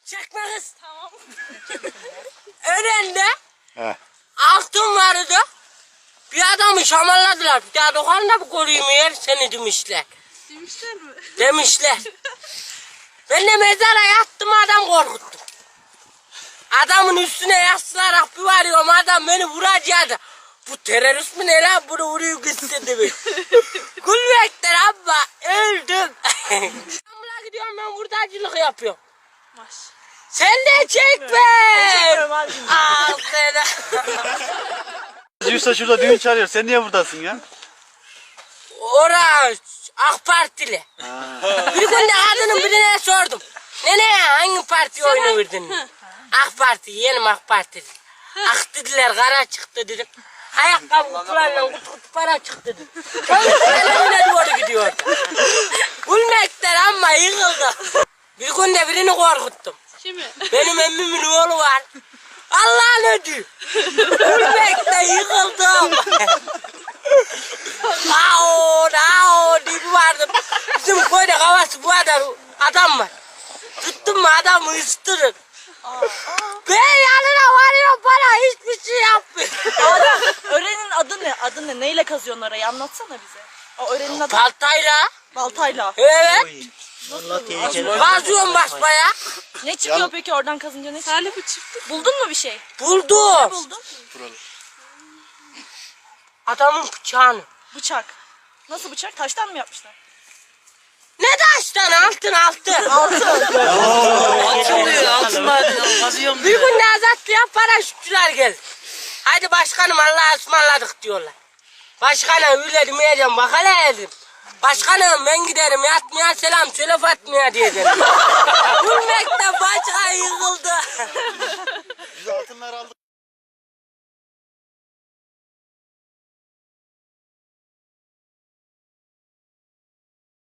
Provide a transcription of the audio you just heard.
Çekme kız. Tamam. Önünde He. altın vardı. Bir adamı şamarladılar. Bir daha dokanında mı koruyayım yer seni demişler. Demişler mi? Demişler. Ben de mezara yattım adam korkuttum. Adamın üstüne yaslayarak bir varıyorum adam beni vuracaktı. Bu terörist mi ne lan bunu vuruyor gitsin demiş. Gülmekten abla öldüm. İstanbul'a gidiyorum ben hurdacılık yapıyorum. Maş. Sen de çekme. Al seni. Yusuf şurada düğün çağırıyor. Sen niye buradasın ya? Orası AK Partili. Bir gün de kadının birine sordum. Nene hangi partiye oyunu verdin? AK Parti, yeğenim AK Parti. Ak dediler, kara çıktı dedim. Ayakkabı kutularla kutu kutu para çıktı dedim. Kendine doğru gidiyor. Gülmekten ama yıkıldı. Bir gün de birini korkuttum. Kimi? Benim emmimin oğlu var. Allah'ın ödü. Gülmekten yıkıldım. Ao diye bir vardı. Bizim köyde havası bu kadar adam var. Tuttum mu adamı ıstırır. Ben yanına varıyorum bana hiçbir şey yapmıyor. Öğrenin adı ne? Adı ne? Neyle kazıyorsun orayı? Anlatsana bize. O öğrenin adı Baltayla. baltayla. Evet. Tehlikeli. Kazıyorum basbaya. Ne çıkıyor peki oradan kazınca ne çıkıyor? Salih bu çiftlik. Buldun mu bir şey? Buldum. Buldun. Adamın bıçağını. Bıçak. Nasıl bıçak? Taştan mı yapmışlar? Ne taştan altın. Altın. Altın madeni kazıyorum Bir gün de azatlıya paraşütçüler geldi. Hadi başkanım Allah'a ısmarladık diyorlar. Başkanım öyle demeyeceğim bak hele dedim. Başkanım ben giderim yatmaya selam söyle Fatma'ya diye dedim. Gülmekte